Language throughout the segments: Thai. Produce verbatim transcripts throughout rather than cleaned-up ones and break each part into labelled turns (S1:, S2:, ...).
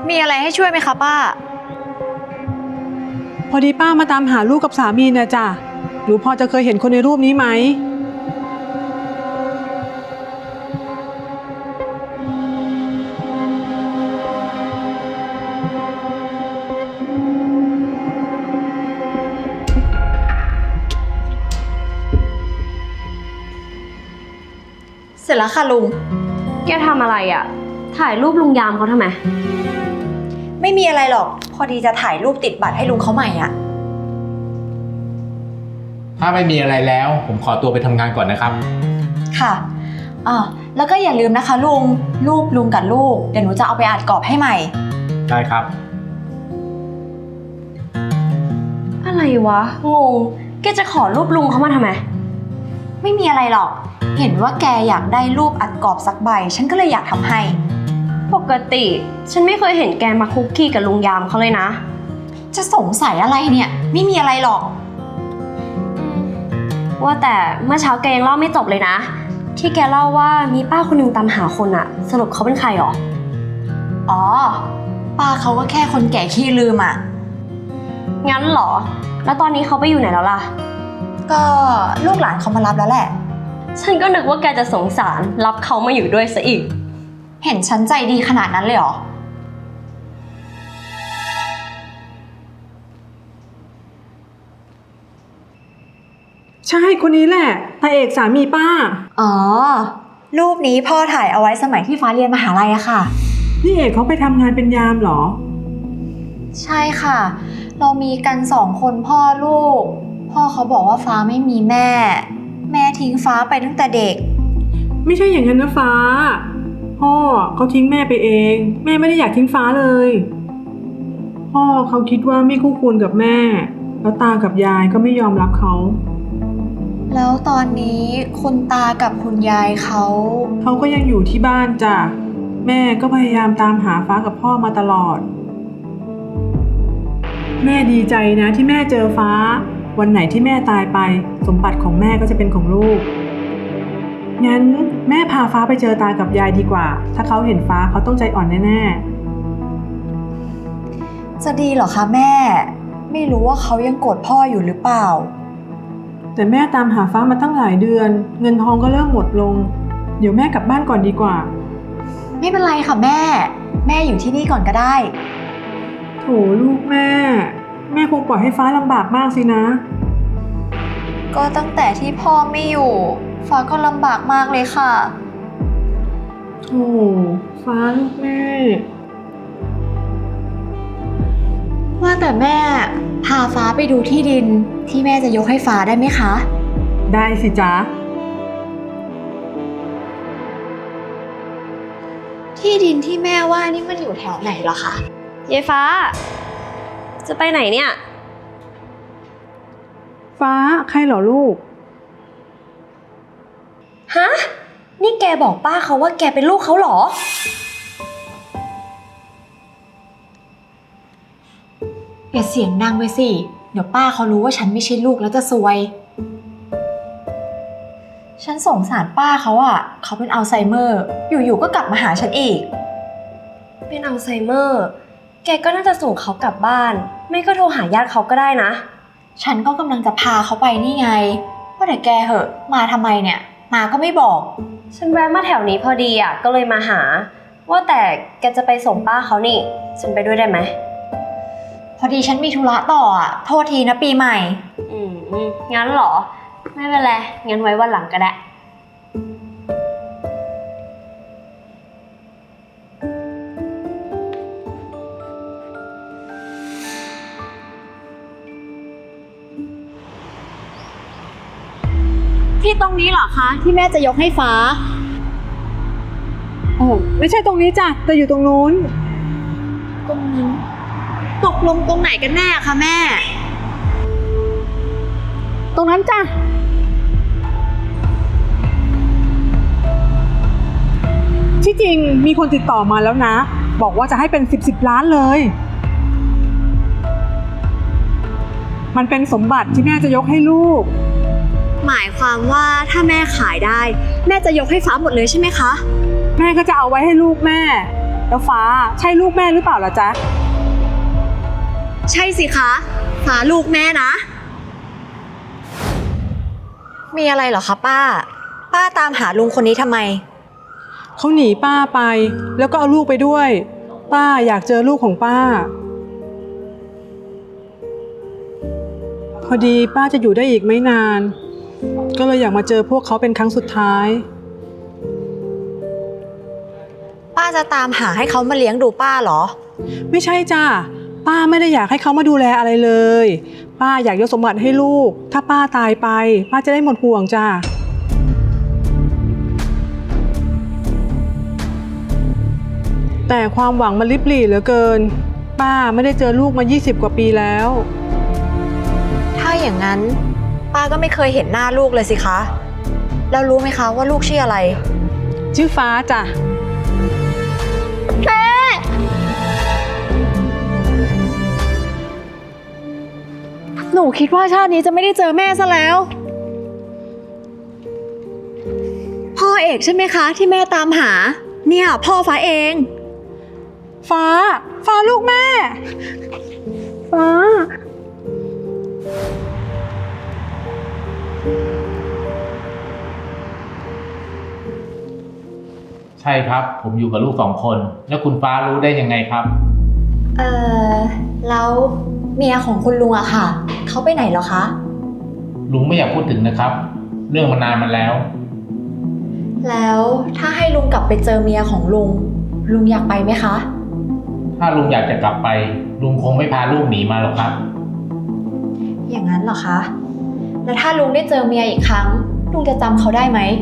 S1: มีอะไรให้ช่วยไหมคะป้า
S2: พอดีป้ามาตามหาลูกกับสามีนะจ้ะหนูพอจะเคยเห็นคนในรูปนี้ไหม
S1: เสร็จแล้วค่ะลุง
S3: แกทำอะไรอะถ่ายรูปลุงยามเขาทำไม
S1: ไม่มีอะไรหรอกพอดีจะถ่ายรูปติดบัตรให้ลุงเขาใหม่อ่ะ
S4: ถ้าไม่มีอะไรแล้วผมขอตัวไปทำงานก่อนนะครับ
S1: ค่ะอ่าแล้วก็อย่าลืมนะคะลุงรูปลุงกับลูกเดี๋ยวหนูจะเอาไปอัดกรอบให้ใหม่
S4: ได้ครับ
S3: อะไรวะงงแกจะขอรูปลุงเขามาทำไม
S1: ไม่มีอะไรหรอกเห็นว่าแกอยากได้รูปอัดกรอบสักใบฉันก็เลยอยากทำให้
S3: ปกติฉันไม่เคยเห็นแกมาคุกคีกับลุงยามเขาเลยนะ
S1: จะสงสัยอะไรเนี่ยไม่มีอะไรหรอก
S3: ว่าแต่เมื่อเช้าแกยังเล่าไม่จบเลยนะที่แกเล่าว่ามีป้าคนหนึ่งตามหาคนอะสรุปเขาเป็นใครหรอ
S1: อ๋อป้าเขาก็แค่คนแก่ขี้ลืมอะ
S3: งั้นเหรอแล้วตอนนี้เขาไปอยู่ไหนแล้วล่ะ
S1: ก็ลูกหลานเขามารับแล้วแหละ
S3: ฉันก็นึกว่าแกจะสงสารรับเขามาอยู่ด้วยซะอีก
S1: เห็นฉันใจดีขนาดนั้นเลยเหรอ
S2: ใช่คนนี้แหละตาเอกสามีป้า
S1: อ๋อรูปนี้พ่อถ่ายเอาไว้สมัยที่ฟ้าเรียนมหาลัยอะค่ะ
S2: นี่เอกเขาไปทำงานเป็นยามเหรอ
S1: ใช่ค่ะเรามีกันสองคนพ่อลูกพ่อเขาบอกว่าฟ้าไม่มีแม่แม่ทิ้งฟ้าไปตั้งแต่เด็ก
S2: ไม่ใช่อย่างนั้นนะฟ้าพ่อเขาทิ้งแม่ไปเองแม่ไม่ได้อยากทิ้งฟ้าเลยพ่อเขาคิดว่าไม่คู่ควรกับแม่แล้วตากับยายก็ไม่ยอมรับเขา
S1: แล้วตอนนี้คุณตากับคุณยายเขา
S2: เขาก็ยังอยู่ที่บ้านจ้ะแม่ก็พยายามตามหาฟ้ากับพ่อมาตลอดแม่ดีใจนะที่แม่เจอฟ้าวันไหนที่แม่ตายไปสมบัติของแม่ก็จะเป็นของลูกงั้นแม่พาฟ้าไปเจอตากับยายดีกว่าถ้าเขาเห็นฟ้าเขาต้องใจอ่อนแน่
S1: ๆจะดีเหรอคะแม่ไม่รู้ว่าเขายังโกรธพ่ออยู่หรือเปล่า
S2: แต่แม่ตามหาฟ้ามาตั้งหลายเดือนเงินทองก็เริ่มหมดลงเดี๋ยวแม่กลับบ้านก่อนดีกว่า
S1: ไม่เป็นไรค่ะแม่แม่อยู่ที่นี่ก่อนก็ได้
S2: โถลูกแม่แม่คงปล่อยให้ฟ้าลำบากมากสินะ
S1: ก็ตั้งแต่ที่พ่อไม่อยู่ฟ้าก็ลำบากมากเลยค่ะ
S2: โถฟ้าลูกแม่
S1: ว่าแต่แม่พาฟ้าไปดูที่ดินที่แม่จะยกให้ฟ้าได้ไหมคะ
S2: ได้สิจ๊ะ
S1: ที่ดินที่แม่ว่านี่มันอยู่แถวไหนเหรอคะ
S3: ยายฟ้าจะไปไหนเนี่ย
S2: ฟ้าใครเหรอลูก
S3: ฮะนี่แกบอกป้าเขาว่าแกเป็นลูกเขาเหรอ
S1: อย่าเสียงดังไปสิเดี๋ยวป้าเขารู้ว่าฉันไม่ใช่ลูกแล้วจะซวยฉันสงสารป้าเขาอะเขาเป็นอัลไซเมอร์อยู่ๆก็กลับมาหาฉันอีก
S3: เป็นอัลไซเมอร์แกก็น่าจะส่งเขากลับบ้านไม่ก็โทรหาญาติเขาก็ได้นะ
S1: ฉันก็กำลังจะพาเขาไปนี่ไงว่าแต่แกเหอะมาทำไมเนี่ยมาก็ไม่บอก
S3: ฉันแวะมาแถวนี้พอดีอะก็เลยมาหาว่าแต่แกจะไปส่งป้าเขานี่ฉันไปด้วยได้ไหม
S1: พอดีฉันมีธุระต่ออะโทษทีนะปีใหม่
S3: อืมงั้นเหรอไม่เป็นไรงั้นไว้วันหลังก็ได้
S1: ที่ตรงนี้เหรอคะที่แม่จะยกให้ฟ้า
S2: โอ้ไม่ใช่ตรงนี้จ้ะแต่อยู่ตรงนู้น
S1: ตรงนี้ตกลงตรงไหนกันแน่คะแม่
S2: ตรงนั้นจ้ะที่จริงมีคนติดต่อมาแล้วนะบอกว่าจะให้เป็นสิบสิบล้านเลยมันเป็นสมบัติที่แม่จะยกให้ลูก
S1: หมายความว่าถ้าแม่ขายได้แม่จะยกให้ฟ้าหมดเลยใช่ไหมคะ
S2: แม่ก็จะเอาไว้ให้ลูกแม่แล้วฟ้าใช่ลูกแม่หรือเปล่าล่ะจ๊ะ
S1: ใช่สิคะฟ้าลูกแม่นะ มีอะไรเหรอคะป้า ป้าตามหาลุงคนนี้ทำไม
S2: เขาหนีป้าไป แล้วก็เอาลูกไปด้วย ป้าอยากเจอลูกของป้า พอดีป้าจะอยู่ได้อีกไม่นาน ก็เลยอยากมาเจอพวกเขาเป็นครั้งสุดท้าย
S1: ป้าจะตามหาให้เขามาเลี้ยงดูป้าเหรอ
S2: ไม่ใช่จ้าป้าไม่ได้อยากให้เขามาดูแลอะไรเลย ป้าอยากยกสมบัติให้ลูก ถ้าป้าตายไป ป้าจะได้หมดห่วงจ้าแต่ความหวังมันลิบหลี่เหลือเกิน ป้าไม่ได้เจอลูกมายี่สิบกว่าปีแล้ว
S1: ถ้าอย่างนั้น ป้าก็ไม่เคยเห็นหน้าลูกเลยสิคะ แล้วรู้ไหมคะว่าลูกชื่ออะไร
S2: ชื่อฟ้าจ้ะ
S1: หนูคิดว่าชาตินี้จะไม่ได้เจอแม่ซะแล้ว พ่อเอกใช่ไหมคะ ที่แม่ตามหา เนี่ยพ่อฟ้าเอง
S2: ฟ้า ฟ้าลูกแม่ ฟ้า
S4: ใช่ครับ ผมอยู่กับลูกสองคน แล้วคุณฟ้ารู้ได้ยังไงครับ
S1: เอ่อ แล้วเมียของคุณลุงอะค่ะ เขาไปไหนเหรอคะ
S4: ลุงไม่อยากพูดถึงนะครับ เรื่องมันนานมาแล้ว
S1: แล้วถ้าให้ลุงกลับไปเจอเมียของลุง ลุงอยากไปไหมคะ
S4: ถ้าลุงอยากจะกลับไป ลุงคงไม่พาลูกหนีมาหรอกครับ
S1: อย่างนั้นเหรอคะ แล้วถ้าลุงได้เจอเมียอีกครั้ง ลุงจะจำเขาได้ไหม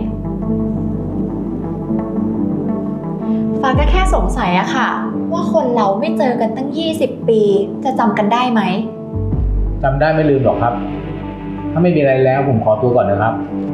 S1: ฟ้าก็แค่สงสัยอะค่ะ ว่าคนเราไม่เจอกันตั้งยี่สิบปี จะจำกันได้ไหม
S4: จำได้ไม่ลืมหรอกครับ ถ้าไม่มีอะไรแล้วผมขอตัวก่อนนะครับ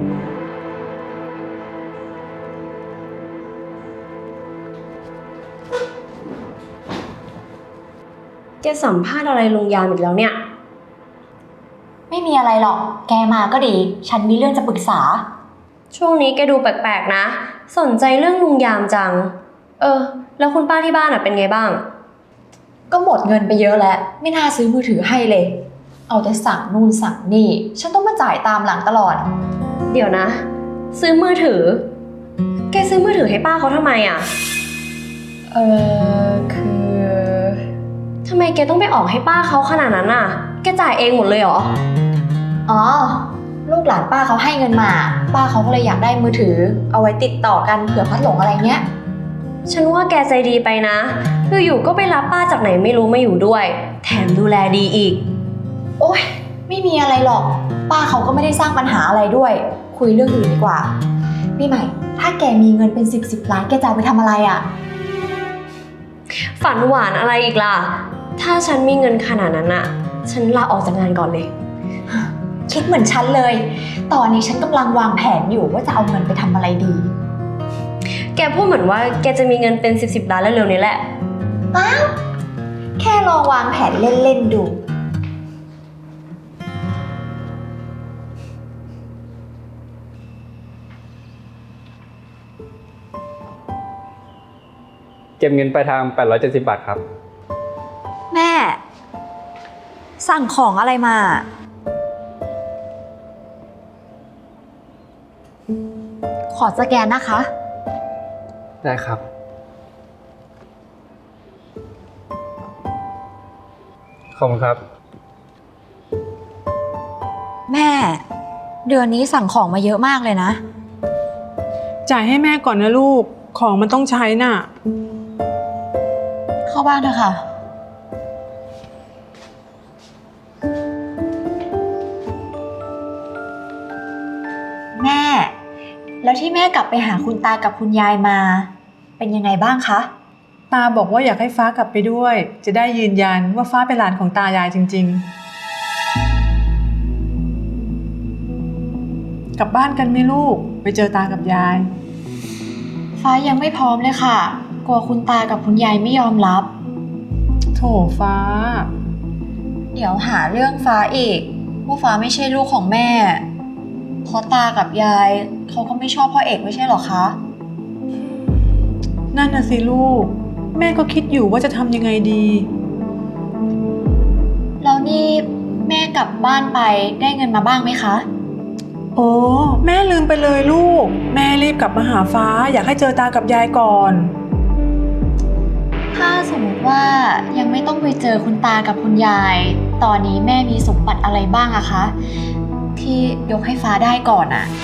S3: แกสัมภาษณ์อะไรลุงยามอีกแล้วเนี่ย
S1: ไม่มีอะไรหรอก แกมาก็ดี ฉันมีเรื่องจะปรึกษา
S3: ช่วงนี้แกดูแปลกๆนะ สนใจเรื่องลุงยามจัง เออ แล้วคุณป้าที่บ้านอ่ะเป็นไงบ้าง
S1: ก็หมดเงินไปเยอะแล้ว ไม่น่าซื้อมือถือให้เลย เอาแต่สั่งนู่นสั่งนี่ ฉันต้องมาจ่ายตามหลังตลอด
S3: เดี๋ยวนะ ซื้อมือถือ แกซื้อมือถือให้ป้าเขาทำไมอ่ะ
S1: เออคือ
S3: ทำไมแกต้องไปออกให้ป้าเขาขนาดนั้นอ่ะ แกจ่ายเองหมดเลยเหรอ
S1: อ๋อ ลูกหลานป้าเขาให้เงินมา ป้าเขาก็เลยอยากได้มือถือ เอาไว้ติดต่อกันเผื่อพัดหลงอะไรเงี้ย
S3: ฉันว่าแกใจดีไปนะ อยู่ๆก็ไปรับป้าจากไหนไม่รู้มาอยู่ด้วย แถมดูแลดีอีก
S1: โอ๊ย ไม่มีอะไรหรอก ป้าเขาก็ไม่ได้สร้างปัญหาอะไรด้วย คุยเรื่องอื่นดีกว่า พี่ใหม่ ถ้าแกมีเงินเป็นสิบสิบล้านแกจะเอาไปทำอะไรอ่ะ
S3: ฝันหวานอะไรอีกล่ะ ถ้าฉันมีเงินขนาดนั้นอะฉันลาออกจากงานก่อนเลย
S1: คิดเหมือนฉันเลย ตอนนี้ฉันกำลังวางแผนอยู่ว่าจะเอาเงินไปทำอะไรดี
S3: แกพูดเหมือนว่าแกจะมีเงินเป็นสิบสิบล้านเร็วๆนี้แหละ
S1: อ้าว แค่ลองวางแผนเล่นๆดู
S5: เก็บเงินปลายทางแปดร้อยเจ็ดสิบบาทครับ
S1: แม่ สั่งของอะไรมา ขอสแกนนะคะ
S5: ได้ครับ ขอบคุณครับ
S1: แม่ เดือนนี้สั่งของมาเยอะมากเลยนะ
S2: จ่ายให้แม่ก่อนนะลูก ของมันต้องใช้น่ะ
S1: เข้าบ้านเถอะค่ะ แม่ แล้วที่แม่กลับไปหาคุณตากับคุณยายมา เป็นยังไงบ้างคะ
S2: ตาบอกว่าอยากให้ฟ้ากลับไปด้วย จะได้ยืนยันว่าฟ้าเป็นหลานของตายายจริงๆ กลับบ้านกันไหมลูก ไปเจอตากับยาย
S1: ฟ้ายังไม่พร้อมเลยค่ะ กลัวคุณตากับคุณยายไม่ยอมรับ
S2: โถฟ้า
S1: เดี๋ยวหาเรื่องฟ้าอีกว่าฟ้าไม่ใช่ลูกของแม่เพราะตากับยายเขาก็ไม่ชอบพ่อเอกไม่ใช่หรอคะ
S2: นั่นน่ะสิลูกแม่ก็คิดอยู่ว่าจะทำยังไงดี
S1: แล้วนี่แม่กลับบ้านไปได้เงินมาบ้างไหมคะ
S2: โอ้แม่ลืมไปเลยลูก แม่รีบกลับมาหาฟ้าอยากให้เจอตากับยายก่อน
S1: ถ้าสมมติว่ายังไม่ต้องไปเจอคุณตากับคุณยาย ตอนนี้แม่มีสมบัติอะไรบ้างอะคะ ที่ยกให้ฟ้าได้ก่อนอะ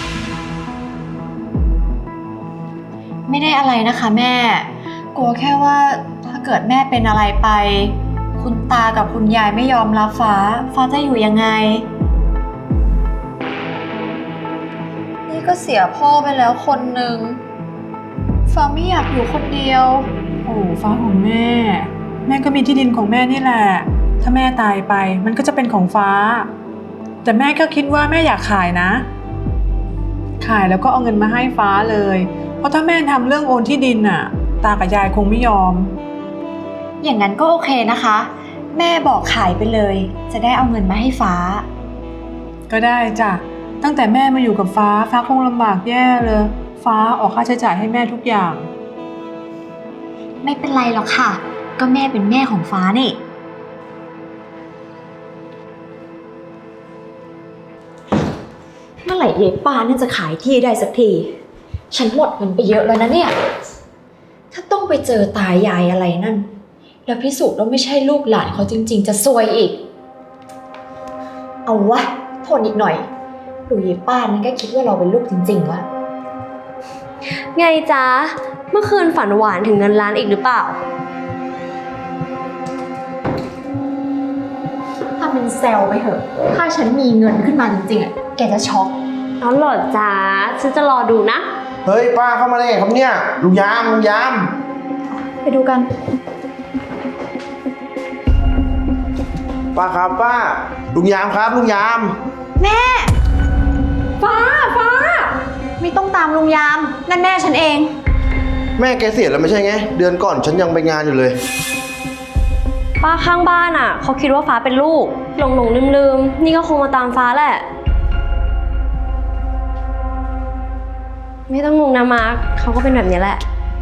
S1: ไม่ได้อะไรนะคะแม่ กลัวแค่ว่าถ้าเกิดแม่เป็นอะไรไป คุณตากับคุณยายไม่ยอมรับฟ้า ฟ้าจะอยู่ยังไง นี่ก็เสียพ่อไปแล้วคนหนึ่งฟ้าไม่อยากอยู่คนเดียว
S2: โอ้ฟ้าของแม่ แม่ก็มีที่ดินของแม่นี่แหละ ถ้าแม่ตายไปมันก็จะเป็นของฟ้า แต่แม่ก็คิดว่าแม่อยากขายนะ ขายแล้วก็เอาเงินมาให้ฟ้าเลย เพราะถ้าแม่ทำเรื่องโอนที่ดินน่ะ ตากับยายคงไม่ยอม
S1: อย่างนั้นก็โอเคนะคะ แม่บอกขายไปเลย จะได้เอาเงินมาให้ฟ้า
S2: ก็ได้จ้ะ ตั้งแต่แม่มาอยู่กับฟ้า ฟ้าคงลำบากแย่เลย ฟ้าออกค่าใช้จ่ายให้แม่ทุกอย่าง
S1: ไม่เป็นไรหรอกค่ะ ก็แม่เป็นแม่ของฟ้านี่ เมื่อไหร่เย้ป้านั่นจะขายที่ได้สักที ฉันหมดเงินไปเยอะแล้วนะเนี่ย ถ้าต้องไปเจอตายายอะไรนั่น แล้วพิสูจน์ว่าไม่ใช่ลูกหลานเขาจริงๆ จะซวยอีก เอาวะทนอีกหน่อย ดูเย้ป้านั่นก็คิดว่าเราเป็นลูกจริงๆวะ
S3: ไงจ๊ะ เมื่อคืนฝันหวานถึงเงินล้านอีกหรือเปล่า
S1: ถ้ามันแซวไปเถอะ ถ้าฉันมีเงินขึ้นมาจริงๆอ่ะ แกจะช็อก
S3: เอาเหรอจ๊ะ ฉันจะรอดูนะ
S6: เฮ้ยป้าเข้ามาได้ไงครับเนี่ยลุงยามลุงยาม
S1: ไปดูกัน
S6: ป้าครับป้าลุงยามครับลุงยาม
S1: ฟ้า ฟ้า ไม่ต้องตามลุงยาม นั่นแม่ฉันเอง
S6: แม่แกเสียแล้วไม่ใช่ไงเดือนก่อนฉันยังไปงานอยู่เลย
S3: ป้าข้างบ้านอ่ะเขาคิดว่าฟ้าเป็นลูก หลงหลงลืมลืมๆนี่ก็คงมาตามฟ้าแหละ ไม่ต้องงงนะมาร์คเขาก็เป็นแบบนี้แหละ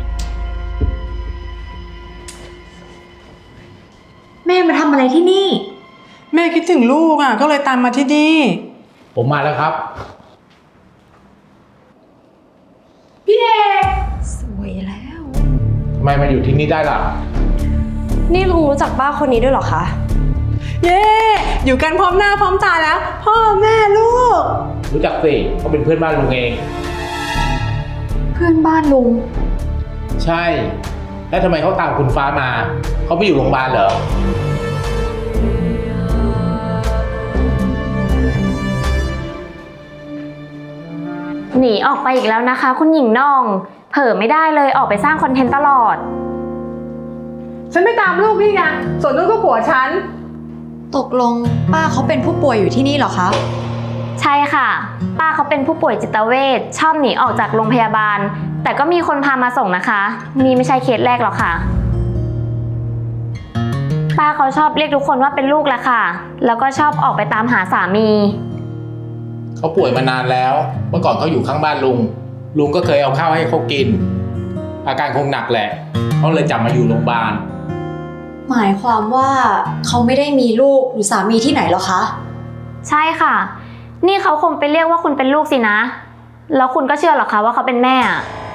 S1: แม่มาทำอะไรที่นี่
S2: แม่คิดถึงลูกอ่ะ ก็เลยตามมาที่นี่
S4: ผมมาแล้วครับ
S1: สวยแล้ว
S4: ทำไมมาอยู่ที่นี่ได้ล่ะ
S3: นี่ลุงรู้จักป้าคนนี้ด้วยเหรอคะ
S2: เย้ อยู่กันพร้อมหน้าพร้อมตาแล้ว พ่อแม่ลูก
S4: รู้จักสิเขาเป็นเพื่อนบ้านลุงเอง
S1: เพื่อนบ้านลุง
S4: ใช่ แล้วทำไมเขาตามคุณฟ้ามา เขาไปอยู่โรงพยาบาลเหรอ
S7: หนีออกไปอีกแล้วนะคะ คุณหญิงน่อง เผลอไม่ได้เลยออกไปสร้างคอนเทนต์ตลอด
S2: ฉันไม่ตามลูกนี่ไง ส่วนลูกก็ผัวฉัน
S1: ตกลงป้าเขาเป็นผู้ป่วยอยู่ที่นี่เหรอคะ
S7: ใช่ค่ะ ป้าเขาเป็นผู้ป่วยจิตเวชชอบหนีออกจากโรงพยาบาล แต่ก็มีคนพามาส่งนะคะ นี่ไม่ใช่เคสแรกหรอกค่ะ ป้าเขาชอบเรียกทุกคนว่าเป็นลูกแหละค่ะ แล้วก็ชอบออกไปตามหาสามี
S4: เขาป่วยมานานแล้ว เมื่อก่อนเขาอยู่ข้างบ้านลุง ลุงก็เคยเอาข้าวให้เขากิน อาการคงหนักแหละเขาเลยจับมาอยู่โรงพยาบาล
S1: หมายความว่าเขาไม่ได้มีลูกหรือสามีที่ไหนหรอคะ
S7: ใช่ค่ะ นี่เขาคงไปเรียกว่าคุณเป็นลูกสินะ แล้วคุณก็เชื่อเหรอคะว่าเขาเป็นแม่อะ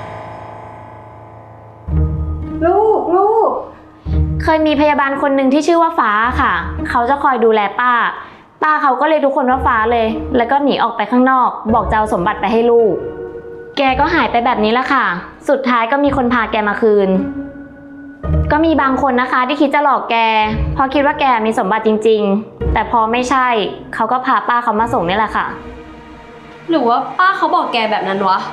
S2: ลูกลูก
S7: เคยมีพยาบาลคนหนึ่งที่ชื่อว่าฟ้าค่ะ เขาจะคอยดูแลป้า ป้าเขาก็เลยทุกคนว่าฟ้าเลย แล้วก็หนีออกไปข้างนอก บอกจะเอาสมบัติไปให้ลูก แกก็หายไปแบบนี้ละค่ะ สุดท้ายก็มีคนพาแกมาคืน ก็มีบางคนนะคะที่คิดจะหลอกแก เพราะคิดว่าแกมีสมบัติจริงๆ แต่พอไม่ใช่ เขาก็พาป้าเขามาส่งนี่แหละค่ะ
S3: หรือว่าป้าเขาบอกแกแบบนั้นวะ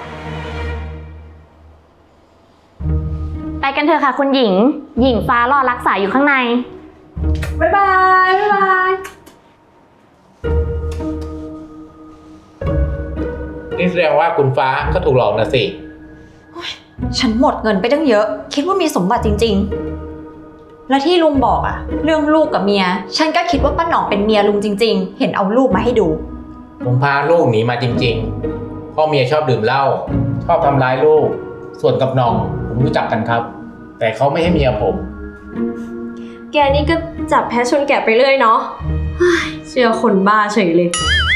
S7: ไปกันเถอะค่ะคุณหญิง หญิงฟ้ารอรักษาอยู่ข้างใน
S2: บ๊ายบาย บ๊ายบาย
S4: นี่แสดงว่าคุณฟ้าก็ถูกหลอกนะสิ
S1: ฉันหมดเงินไปตั้งเยอะ คิดว่ามีสมบัติจริงๆ และที่ลุงบอกอะเรื่องลูกกับเมีย ฉันก็คิดว่าป้าหน่องเป็นเมียลุงจริงๆ เห็นเอาลูกมาให้ดู
S4: ผมพาลูกหนีมาจริงๆ พ่อเมียชอบดื่มเหล้า ชอบทำร้ายลูก ส่วนกับน้องผมรู้จักกันครับแต่เขาไม่ให้เมียผม
S3: แกนี่ก็จับแพ้ชนแกะไปเรื่อยเนาะเฮ้ยเชื่อคนบ้าเฉยเลย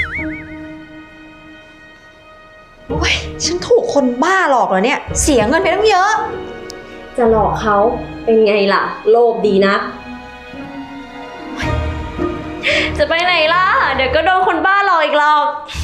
S1: โอ้ยฉันถูกคนบ้าหลอกเหรอเนี่ย เสียเงินไปตั้งเยอะ
S3: จะหลอกเขาเป็นไงล่ะ โลภดีนะ จะไปไหนล่ะ เดี๋ยวก็โดนคนบ้าหลอกอีกหรอก